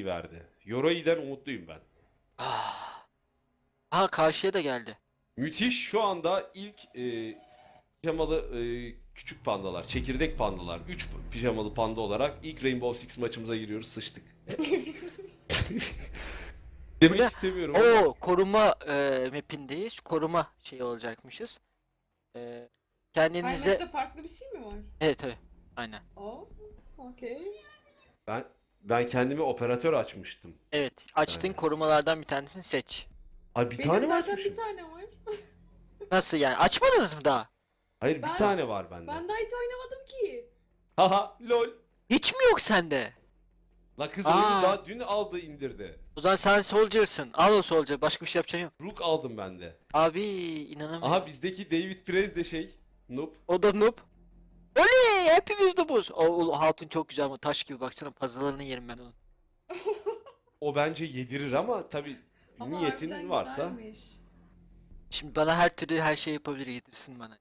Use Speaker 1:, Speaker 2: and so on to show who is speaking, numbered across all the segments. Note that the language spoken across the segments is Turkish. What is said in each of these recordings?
Speaker 1: verdi. Yorai'den umutluyum ben.
Speaker 2: Ah. Aha karşıya da geldi.
Speaker 1: Müthiş, şu anda ilk pijamalı küçük pandalar, çekirdek pandalar, 3 pijamalı panda olarak ilk Rainbow Six maçımıza giriyoruz, sıçtık. Demek
Speaker 2: Ne?
Speaker 1: istemiyorum ama
Speaker 2: Oo, koruma mapindeyiz. Koruma şeyi olacakmışız. E,
Speaker 3: Her
Speaker 2: kendinize...
Speaker 3: map'te farklı bir şey mi var?
Speaker 2: Evet tabii. Aynen.
Speaker 3: Oo, okey.
Speaker 1: ben kendime operatör açmıştım.
Speaker 2: Evet. Açtığın
Speaker 1: Yani.
Speaker 2: korumalardan bir tanesini seç.
Speaker 1: Ay bir
Speaker 3: Benim
Speaker 1: tane mi
Speaker 3: zaten
Speaker 1: açmışım?
Speaker 3: bir tane var.
Speaker 2: Nasıl yani? Açmadınız mı daha?
Speaker 1: Hayır, bir
Speaker 3: Ben-
Speaker 1: tane var bende.
Speaker 3: Ben daha hiç oynamadım ki.
Speaker 1: Haha lol.
Speaker 2: Hiç mi yok sende?
Speaker 1: La kız
Speaker 2: Aa.
Speaker 1: oyunu daha dün aldı indirdi.
Speaker 2: O zaman sen soldier'sın. Al o soldier. Başka bir şey yapacağın yok.
Speaker 1: Rook aldım ben de.
Speaker 2: Abi inanamıyorum.
Speaker 1: Aha bizdeki David Perez de noob.
Speaker 2: O da noob. Oley! Hepimiz noobuz. O hatun çok güzel ama taş gibi, baksana puzzle'larını yerim ben onun.
Speaker 1: O bence yedirir ama tabi
Speaker 3: Ama
Speaker 1: niyetin
Speaker 3: harbiden
Speaker 1: varsa.
Speaker 3: güzelmiş.
Speaker 2: Şimdi bana her türlü her şey yapabilir, yedirsin bana.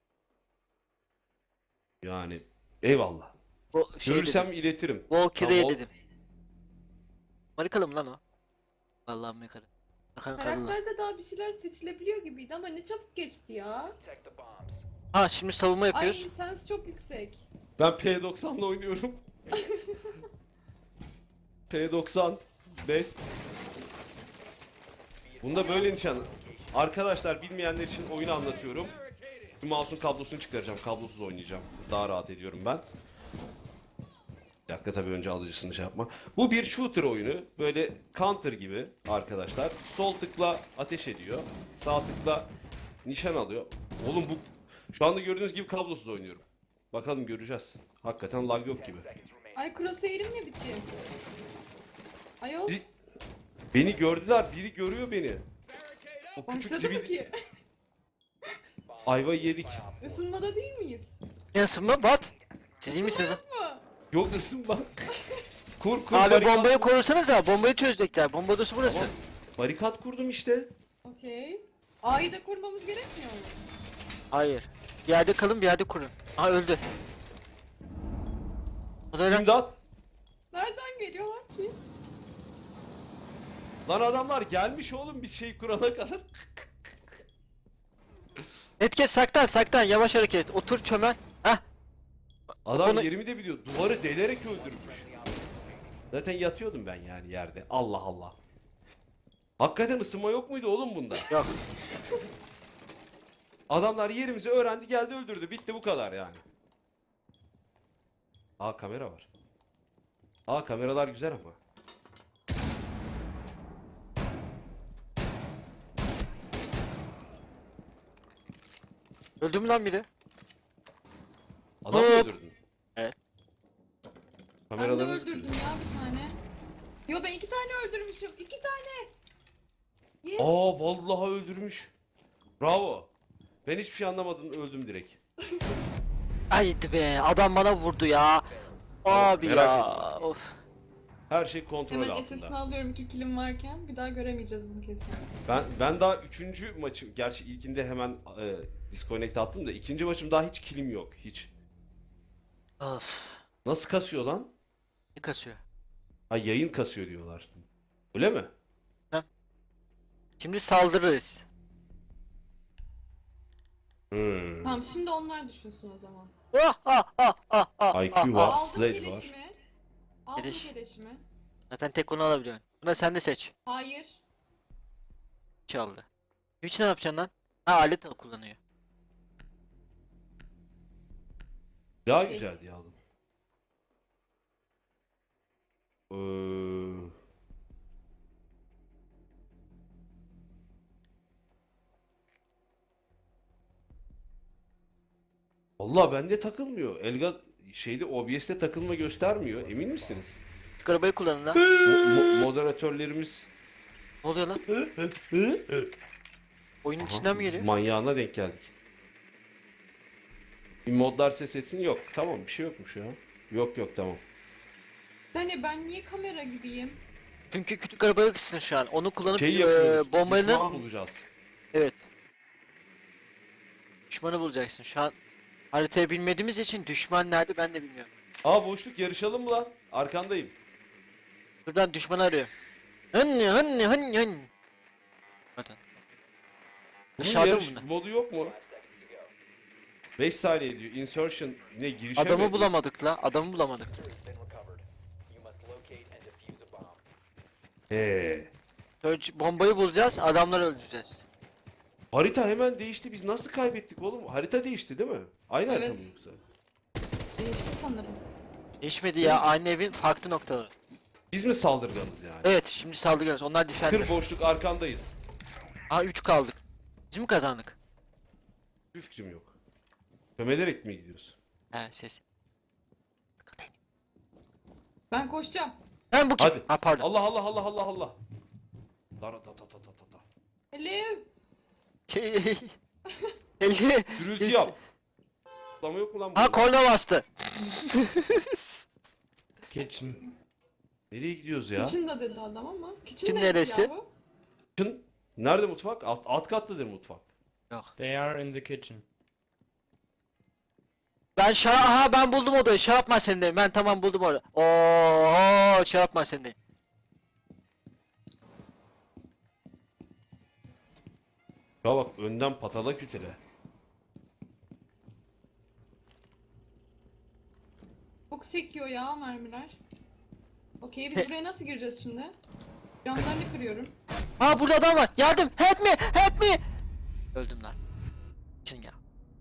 Speaker 1: Yani eyvallah.
Speaker 2: O şey
Speaker 1: Görürsem
Speaker 2: dedim.
Speaker 1: iletirim.
Speaker 2: Valkyrie'ye
Speaker 1: Tamam,
Speaker 2: dedim. Marikalı mı lan o? Vallahi Amerikalı. Bakan karılar.
Speaker 3: Karakterde daha bir şeyler seçilebiliyor gibiydi ama ne çabuk geçti ya.
Speaker 2: Ha şimdi savunma
Speaker 3: Ay
Speaker 2: yapıyoruz.
Speaker 3: insansı çok yüksek.
Speaker 1: Ben P90'la oynuyorum. P90 best. Bunda böyle nişan. Arkadaşlar bilmeyenler için oyunu anlatıyorum. Şu mouse'un kablosunu çıkaracağım. Kablosuz oynayacağım. Daha rahat ediyorum ben. Bir dakika, tabii önce alıcısını şey yapma. Bu bir shooter oyunu. Böyle counter gibi arkadaşlar. Sol tıkla ateş ediyor. Sağ tıkla nişan alıyor. Oğlum bu şu anda gördüğünüz gibi kablosuz oynuyorum. Bakalım, göreceğiz. Hakikaten lag yok gibi.
Speaker 3: Ay crosshair'im ne biçim? Ayol
Speaker 1: Zi- Beni gördüler. Biri görüyor beni. O küçük
Speaker 3: başladı mı
Speaker 1: zibil
Speaker 3: ki?
Speaker 1: ayvayı yedik.
Speaker 3: Isınmada değil miyiz?
Speaker 2: Ne ısınma? Bat. Siz iyi misiniz lan?
Speaker 3: Mı?
Speaker 1: Yok ısınma. Kur
Speaker 2: Abi
Speaker 1: barikat
Speaker 2: bombayı
Speaker 1: kur.
Speaker 2: korursanız ha. Bombayı çözecekler. Bomba odası burası.
Speaker 1: Tamam. Barikat kurdum işte.
Speaker 3: Okey. A'yı da kurmamız gerekmiyor mu?
Speaker 2: Hayır. Bir yerde kalın, bir yerde kurun. Aha öldü. O da öyle.
Speaker 1: İmdat.
Speaker 3: Nereden geliyorlar ki?
Speaker 1: Lan adamlar gelmiş oğlum bir şey kurana kadar.
Speaker 2: Etket saklan saklan. Yavaş hareket. Otur çömel. Hah.
Speaker 1: Adam
Speaker 2: Onu-
Speaker 1: yerimi de biliyor. Duvarı delerek öldürmüş. Zaten yatıyordum ben yani yerde. Allah Allah. Hakikaten ısınma yok muydu oğlum bunda?
Speaker 2: Yok.
Speaker 1: Adamlar yerimizi öğrendi, geldi öldürdü. Bitti, bu kadar yani. Aa, kamera var. Aa, kameralar güzel ama.
Speaker 2: Öldü mü lan biri?
Speaker 1: Adam mı
Speaker 2: Hop.
Speaker 1: öldürdün?
Speaker 2: Evet.
Speaker 3: Ben de
Speaker 1: Kameralarınız
Speaker 3: öldürdüm
Speaker 1: kırdı.
Speaker 3: ya bir tane. Yo ben 2 tane öldürmüşüm. 2 tane. Yes.
Speaker 1: Aa, vallahi öldürmüş. Bravo. Ben hiçbir şey anlamadım, öldüm direkt.
Speaker 2: Haydi be. Adam bana vurdu ya. Abi
Speaker 1: merak
Speaker 2: ya.
Speaker 1: etme.
Speaker 2: Of.
Speaker 1: Her şey kontrol
Speaker 3: Hemen
Speaker 1: altında.
Speaker 3: SS'ini alıyorum 2 kilim varken. Bir daha göremeyeceğiz bunu kesin.
Speaker 1: Ben daha üçüncü maçım, gerçi ilkinde hemen disconnect attım da ikinci maçım daha hiç kilim yok, hiç.
Speaker 2: Of.
Speaker 1: Nasıl kasıyor lan?
Speaker 2: Ne kasıyor?
Speaker 1: Ha, yayın kasıyor diyorlar. Öyle mi?
Speaker 2: Şimdi saldırırız.
Speaker 3: Tamam şimdi onlar düşünsün o zaman.
Speaker 2: Ah ah ah ah ah
Speaker 1: IQ
Speaker 2: ah,
Speaker 1: var.
Speaker 2: ah.
Speaker 3: Aldım
Speaker 1: Sledge var.
Speaker 3: keleşimi. Aldım
Speaker 2: Keleş.
Speaker 3: keleşimi.
Speaker 2: Zaten tek onu alabiliyorsun. Buna sen de seç.
Speaker 3: Hayır.
Speaker 2: Çaldı. Hiç ne yapacaksın lan? Ha, alet kullanıyor.
Speaker 1: Daha
Speaker 3: Peki.
Speaker 1: güzel diye aldım. Ee, Vallahi bende takılmıyor. Elga şeyde OBS'te takılma göstermiyor. Emin misiniz?
Speaker 2: Şu arabayı kullanın lan.
Speaker 1: Moderatörlerimiz
Speaker 2: Ne oluyor lan? Oyunun
Speaker 1: Aha,
Speaker 2: içinden mi geliyor?
Speaker 1: manyağına denk geldik. Bir modlar ses etsin, yok. Tamam, bir şey yokmuş ya. Yok yok, tamam.
Speaker 3: Hani ben niye kamera gibiyim?
Speaker 2: Çünkü küçük arabaya kızsın şu an. Onu kullanıp
Speaker 1: Şey yapıyoruz.
Speaker 2: bombanı...
Speaker 1: Düşman bulacağız.
Speaker 2: Evet. Düşmanı bulacaksın. Şu an haritayı bilmediğimiz için düşman nerede ben de bilmiyorum.
Speaker 1: Aa, boşluk, yarışalım mı lan? Arkandayım.
Speaker 2: Buradan düşman arıyor. Hınni hınni hınni hınni. Bakın.
Speaker 1: Bunun
Speaker 2: Aşağıda mı
Speaker 1: yarış
Speaker 2: bunlar?
Speaker 1: modu yok mu? 5 saniye diyor. Insertion ne girişe mi?
Speaker 2: Adamı bulamadık la. Adamı bulamadık. Bombayı bulacağız. Adamları öldüreceğiz.
Speaker 1: Harita hemen değişti. Biz nasıl kaybettik oğlum? Harita değişti değil mi? Aynı harita
Speaker 3: Evet.
Speaker 1: mı yoksa?
Speaker 3: Değişti sanırım.
Speaker 2: Değişmedi ya. Aynı evin farklı noktaları.
Speaker 1: Biz mi saldırganız yani?
Speaker 2: Evet şimdi saldırıyoruz. Onlar defender.
Speaker 1: Kır boşluk arkandayız.
Speaker 2: Aa 3 kaldık. Biz mi kazandık?
Speaker 1: Bir fikrim yok. Kömelerek mi gidiyoruz?
Speaker 2: He ses.
Speaker 3: Ben koşacağım.
Speaker 2: Ben bu kim?
Speaker 1: Hadi.
Speaker 2: Ha pardon.
Speaker 1: Allah Allah Allah Allah Allah. Dara ta ta ta ta ta ta.
Speaker 3: Hello.
Speaker 2: 50.
Speaker 1: Gürültü yap. Atlama yok mu lan
Speaker 2: Ha
Speaker 1: burada?
Speaker 2: korna bastı.
Speaker 4: Kitchen.
Speaker 1: Nereye gidiyoruz ya?
Speaker 3: Kitchen'da dedi adam ama. Kitchen
Speaker 2: Kitchen
Speaker 3: neresi?
Speaker 2: neresi?
Speaker 3: Ya bu?
Speaker 1: Kitchen. Nerede mutfak? Alt katlıdır mutfak.
Speaker 2: Yok.
Speaker 4: They are in the kitchen.
Speaker 2: Ben aha ben buldum odayı. Şey yapma sen de. Ben tamam buldum orada. Oo şey yapma sen de.
Speaker 1: Ya bak önden patala kütele.
Speaker 3: Çok sekiyor ya mermiler. Okey biz buraya nasıl gireceğiz şimdi? Camlarını kırıyorum.
Speaker 2: Aa burada adam var. Yardım. Help me. Help me. Öldüm lan. Çin ya.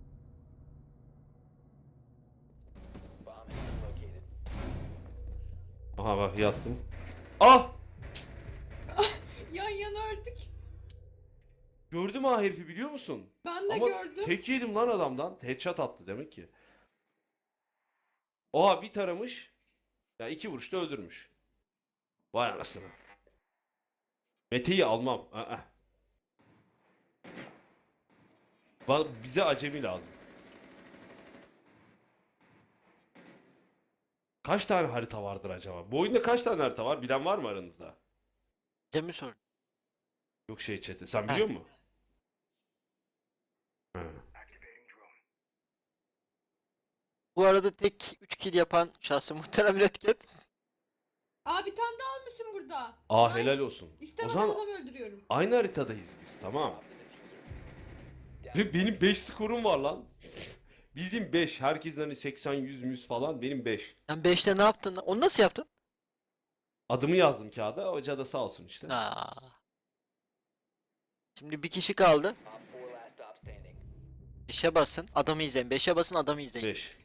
Speaker 1: Aha bak yattım. Ah!
Speaker 3: Yan yana ördük.
Speaker 1: Gördüm ha herifi biliyor musun?
Speaker 3: Ben de
Speaker 1: Ama
Speaker 3: gördüm.
Speaker 1: tek yedim lan adamdan. Headshot attı demek ki. Oha bir taramış. Ya 2 vuruşta öldürmüş. Vay anasını. Mete'yi almam. Aa. Bize acemi lazım. Kaç tane harita vardır acaba? Bu oyunda kaç tane harita var? Bilen var mı aranızda?
Speaker 2: Cem'i sor.
Speaker 1: Yok şey chat'i. Sen
Speaker 2: Ha.
Speaker 1: biliyor musun? Ha.
Speaker 2: Bu arada tek 3 kill yapan şahsı muhterem Redket.
Speaker 3: Aa bir tane daha almışım burada.
Speaker 1: Aa
Speaker 3: Nice.
Speaker 1: helal olsun. O
Speaker 3: İstemeden
Speaker 1: zaman
Speaker 3: adam öldürüyorum.
Speaker 1: aynı haritadayız biz. Tamam. Ve benim 5 skorum var lan. Bildiğim 5. Herkesin hani 80, 100, 100 falan. Benim 5.
Speaker 2: Sen 5'te ne yaptın? Onu nasıl yaptın?
Speaker 1: Adımı yazdım kağıda. Hoca da sağ olsun işte.
Speaker 2: Aa. Şimdi bir kişi kaldı. 5'e basın, adamı izleyin. 5'e basın, adamı izleyin.
Speaker 1: 5.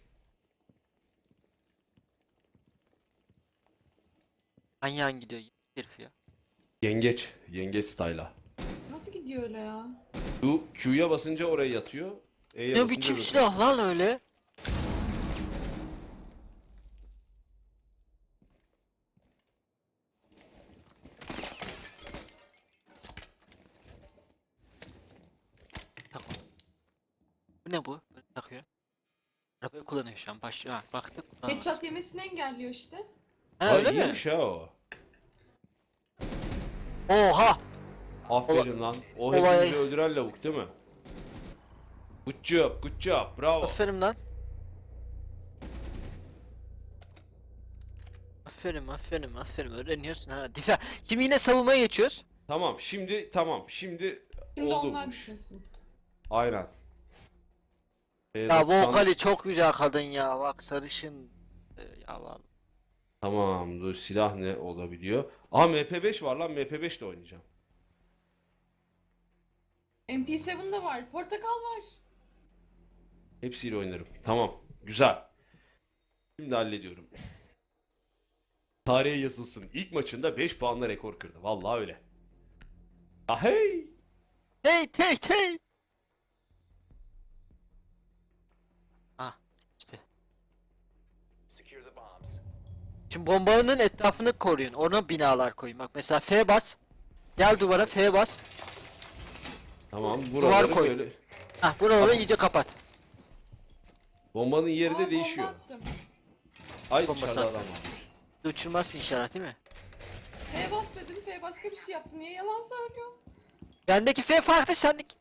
Speaker 2: Hangi gidiyor herif ya?
Speaker 1: Yengeç. Yengeç style'a.
Speaker 3: Nasıl gidiyor öyle ya?
Speaker 1: Q'ya basınca oraya yatıyor. E'ye
Speaker 2: Ne
Speaker 1: basınca
Speaker 2: biçim
Speaker 1: böyle.
Speaker 2: silah lan öyle? Tamam. Bu ne bu? Böyle takıyor. Arabayı kullanıyor şu an. Ha, baktık. kullanamaz.
Speaker 3: Headshot yemesini engelliyor işte.
Speaker 2: Ha
Speaker 1: Aa,
Speaker 2: öyle mi?
Speaker 1: iyiymiş ha o.
Speaker 2: Oha!
Speaker 1: Aferin lan. O
Speaker 2: Olay-
Speaker 1: hepimizi öldüren lavuk değil mi? Good job, good job. Bravo.
Speaker 2: Aferin lan. Aferin. Öğreniyorsun ha. Şimdi yine savunmaya geçiyoruz.
Speaker 1: Tamam, tamam. Şimdi
Speaker 3: Şimdi
Speaker 1: oldu
Speaker 3: onlar
Speaker 1: bu iş.
Speaker 3: düşünsün.
Speaker 1: Aynen.
Speaker 2: Ya
Speaker 1: 90
Speaker 2: vokali çok güzel kadın ya. Bak sarışın. Ya vallahi.
Speaker 1: Tamam, dur silah ne olabiliyor? Aha MP5 var lan, MP5 de oynayacağım.
Speaker 3: MP7 de var. Portakal var.
Speaker 1: Hepsiyle oynarım. Tamam, güzel. Şimdi hallediyorum. Tarihe yazılsın. İlk maçında 5 puanla rekor kırdı. Vallahi öyle. Ah hey!
Speaker 2: Hey. Ah işte. Şimdi bombanın etrafını koruyun. Ona binalar koyun. Bak mesela F bas. Gel duvara F bas.
Speaker 1: Tamam,
Speaker 2: Duvar
Speaker 1: buraları
Speaker 2: koy.
Speaker 1: böyle.
Speaker 2: Hah buraları iyice kapat.
Speaker 1: Bombanın yeri
Speaker 3: Aa,
Speaker 1: de
Speaker 3: bomba
Speaker 1: değişiyor.
Speaker 3: attım.
Speaker 1: Ay
Speaker 2: Bombası
Speaker 1: dışarıda
Speaker 2: attı.
Speaker 1: adam var.
Speaker 2: Uçurmazsın inşallah değil mi?
Speaker 3: F bas dedim. F başka bir şey yaptı. Niye yalan söylüyor?
Speaker 2: Bendeki F farklı sendeki.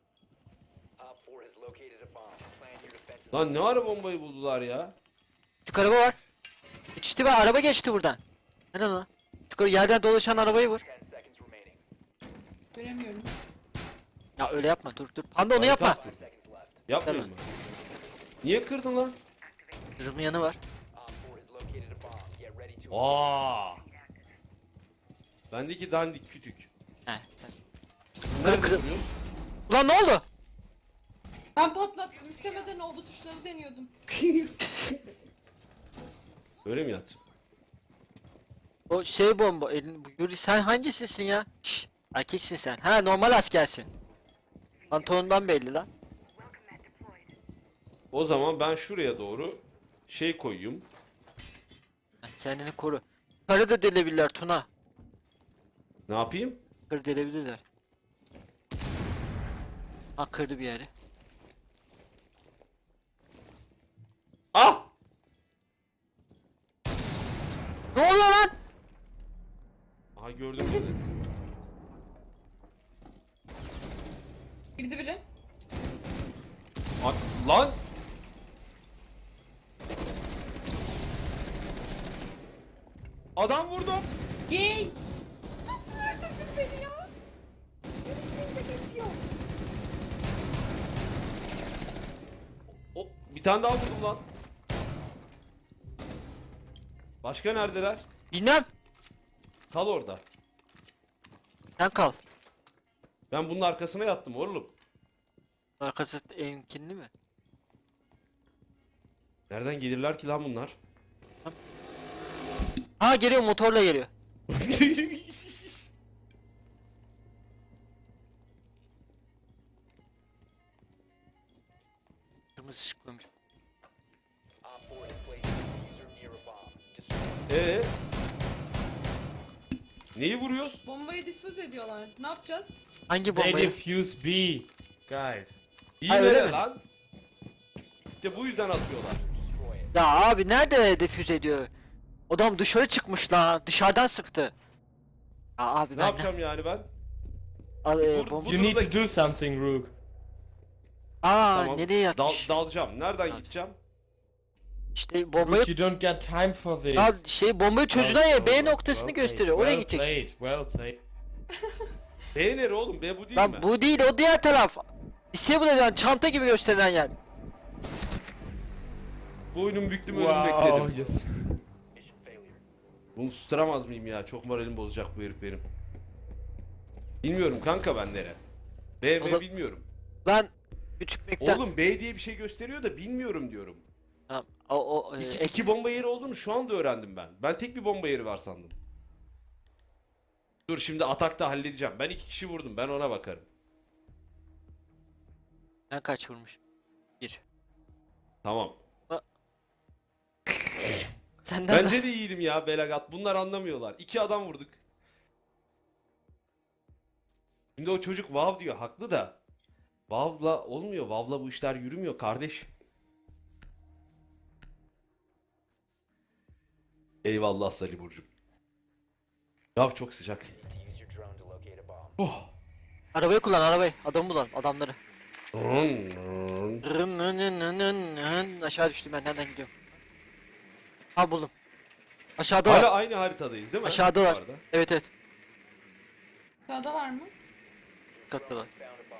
Speaker 1: Lan ne ara bombayı buldular ya?
Speaker 2: Küçük araba var. Geçti ve araba geçti buradan. Ne lan o? Yukarı yerden dolaşan arabayı vur.
Speaker 3: Göremiyorum.
Speaker 2: Ya öyle yapma, dur dur. Panda onu yapma.
Speaker 1: Barikat kur. Yapmayayım mı? Niye kırdın lan?
Speaker 2: Zırhın yanı var.
Speaker 1: Aa! Bendeki dandik kütük.
Speaker 2: He sen.
Speaker 1: Nerede
Speaker 2: kır-
Speaker 1: duruyoruz?
Speaker 2: Ulan ne oldu?
Speaker 3: Ben patlattım. İstemeden oldu, tuşları deniyordum.
Speaker 1: Öyle mi yat?
Speaker 2: O şey bomba. Yuri sen hangisisin ya? Şş, erkeksin sen. Ha normal askersin. Pantolondan belli lan.
Speaker 1: O zaman ben şuraya doğru şey koyayım.
Speaker 2: Ha, kendini koru. Karı da delebilirler Tuna.
Speaker 1: Ne yapayım?
Speaker 2: Karı delebilirler. Ha kırdı bir yeri.
Speaker 1: Ah!
Speaker 2: Ne oluyor lan?
Speaker 1: Aha gördüm beni.
Speaker 3: Girdi biri.
Speaker 1: Lan! Adam vurdum.
Speaker 3: Yay! Nasıl öldürdün beni ya? Yürüyünce kesiyor.
Speaker 1: O, bir tane daha vurdum lan. Başka neredeler?
Speaker 2: Bilmem.
Speaker 1: Kal orada.
Speaker 2: Sen kal.
Speaker 1: Ben bunun arkasına yattım oğlum.
Speaker 2: Arkası emkinli mi?
Speaker 1: Nereden gelirler ki lan bunlar?
Speaker 2: Ha geliyor, motorla geliyor. Kırmızı ışık koymuş.
Speaker 1: Ee? Neyi vuruyoruz?
Speaker 3: Bombayı difüz ediyorlar. Ne yapacağız?
Speaker 2: Hangi
Speaker 4: They
Speaker 2: bombayı?
Speaker 4: defuse B. Guys.
Speaker 1: İyi
Speaker 2: Ha, öyle
Speaker 1: nere
Speaker 2: mi?
Speaker 1: lan? İşte bu yüzden atıyorlar.
Speaker 2: Ya abi nerede defüz ediyor? Adam dışarı çıkmış la. Dışarıdan sıktı. Ya abi
Speaker 1: Ne
Speaker 2: ben
Speaker 1: yapacağım yani ben?
Speaker 2: Al,
Speaker 1: Bu
Speaker 2: bomba.
Speaker 4: You need
Speaker 1: durumda-
Speaker 4: to do something, Rook.
Speaker 2: Aa
Speaker 1: Tamam.
Speaker 2: nereye yatmış?
Speaker 1: Dalacağım. Nereden
Speaker 2: Dal.
Speaker 1: gideceğim?
Speaker 2: İşte bombayı
Speaker 4: Rook, you don't get time for this.
Speaker 2: ya şey bombayı çocuğuna ya B
Speaker 1: well,
Speaker 2: noktasını
Speaker 1: well
Speaker 2: gösteriyor. Oraya gideceksin.
Speaker 4: played, well played.
Speaker 1: B nere oğlum? B bu değil
Speaker 2: Lan
Speaker 1: mi?
Speaker 2: bu değil, o diğer taraf. Disable eden çanta gibi gösterilen yer.
Speaker 1: Boynum büktüm ölüm
Speaker 4: Wow,
Speaker 1: bekledim.
Speaker 4: yes.
Speaker 1: Bunu susturamaz mıyım ya? Çok moralim bozacak bu herif benim. Bilmiyorum kanka ben nere. B
Speaker 2: Oğlum-
Speaker 1: bilmiyorum.
Speaker 2: Lan küçük miktar.
Speaker 1: Oğlum B diye bir şey gösteriyor da bilmiyorum diyorum.
Speaker 2: Tamam. O
Speaker 1: İki bomba yeri olduğunu şu anda öğrendim ben. Ben tek bir bomba yeri var sandım. Dur şimdi atakta halledeceğim. Ben 2 kişi vurdum. Ben ona bakarım.
Speaker 2: ben kaç vurmuş? 1.
Speaker 1: Tamam.
Speaker 2: Senden
Speaker 1: Bence de iyiydim ya Belagat. Bunlar anlamıyorlar. 2 adam vurduk. Şimdi o çocuk vav diyor. Haklı da. Vav'la olmuyor. Vav'la bu işler yürümüyor kardeş. Eyvallah Salih Burcu'm. Ya çok sıcak. Oh.
Speaker 2: arabayı kullan, arabayı. Adamı bulalım, adamları.
Speaker 1: Hala
Speaker 2: Aşağı düştüm, ben nereden gidiyorum? Ha buldum. Aşağıda var.
Speaker 1: aynı haritadayız değil mi?
Speaker 2: Aşağıdalar.
Speaker 1: Bu arada.
Speaker 2: Evet evet.
Speaker 3: Sağda var mı?
Speaker 2: Katta var.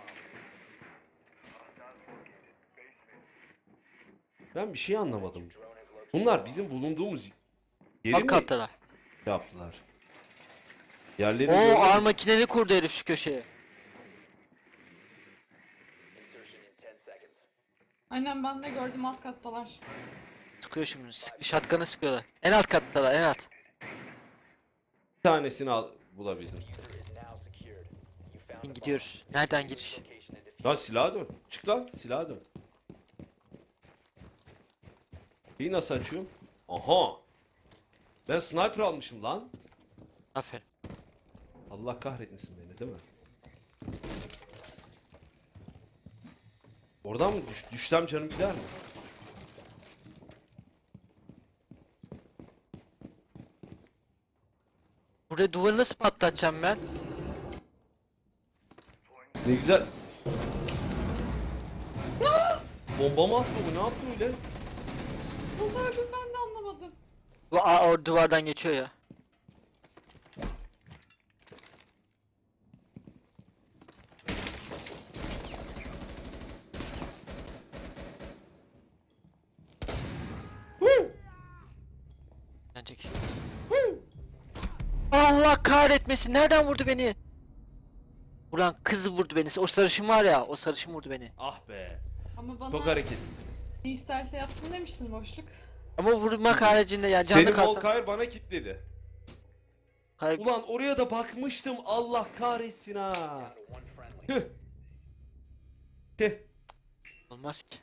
Speaker 1: Ben bir şey anlamadım. Bunlar bizim bulunduğumuz yeri
Speaker 2: Alt
Speaker 1: mi
Speaker 2: kattalar.
Speaker 1: yaptılar? Yerleri
Speaker 2: Oo
Speaker 1: görüyor
Speaker 2: ağır
Speaker 1: musun?
Speaker 2: makineli kurdu herif şu köşeye.
Speaker 3: Aynen, ben de gördüm, alt kattalar.
Speaker 2: Sıkıyor şimdi. Şatkanı sıkıyorlar. En alt kattalar, en alt.
Speaker 1: Bir tanesini bulabildim.
Speaker 2: Gidiyoruz. Nereden giriş?
Speaker 1: Lan silaha dön. Çık lan silaha dön. Şeyi nasıl açıyorum? Aha. Ben sniper almışım lan.
Speaker 2: Aferin.
Speaker 1: Allah kahretmesin beni değil mi? Oradan mı düşsem canım gider mi?
Speaker 2: Buraya duvarı nasıl patlatacağım ben?
Speaker 1: Ne güzel. Bomba mı attı bu? Ne yaptı öyle?
Speaker 3: Nasıl öldüm ben de anlamadım.
Speaker 2: O duvardan geçiyor ya. can çekişiyor. Allah kahretmesin. Nereden vurdu beni? Ulan kızı vurdu beni. O sarışın var ya. O sarışın vurdu beni.
Speaker 1: Ah be.
Speaker 3: Ama bana
Speaker 1: Çok hareket.
Speaker 3: ne isterse yapsın demiştin boşluk.
Speaker 2: Ama vurmak haricinde ya canlı
Speaker 1: Senin
Speaker 2: kalsam.
Speaker 1: Volkayr bana kilitledi. Ulan oraya da bakmıştım. Allah kahretsin ha. Tüh. Tüh.
Speaker 2: Olmaz ki.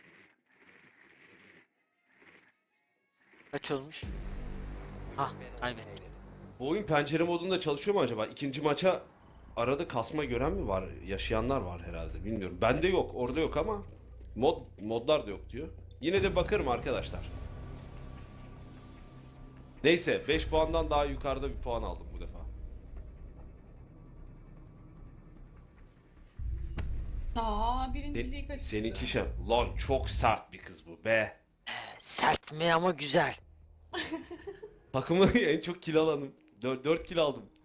Speaker 2: Kaç olmuş? Ah kaybettim.
Speaker 1: Bu oyun pencere modunda çalışıyor mu acaba? İkinci maça arada kasma gören mi var? Yaşayanlar var herhalde. Bilmiyorum. Bende yok. Orada yok ama modlar da yok diyor. Yine de bakarım arkadaşlar. Neyse 5 puandan daha yukarıda bir puan aldım bu defa.
Speaker 3: Birinciliği kaçırdı.
Speaker 1: Seninki şey. Lan çok sert bir kız bu be.
Speaker 2: Sert mi ama güzel.
Speaker 1: Takımı en çok kill alanım. 4 kill aldım.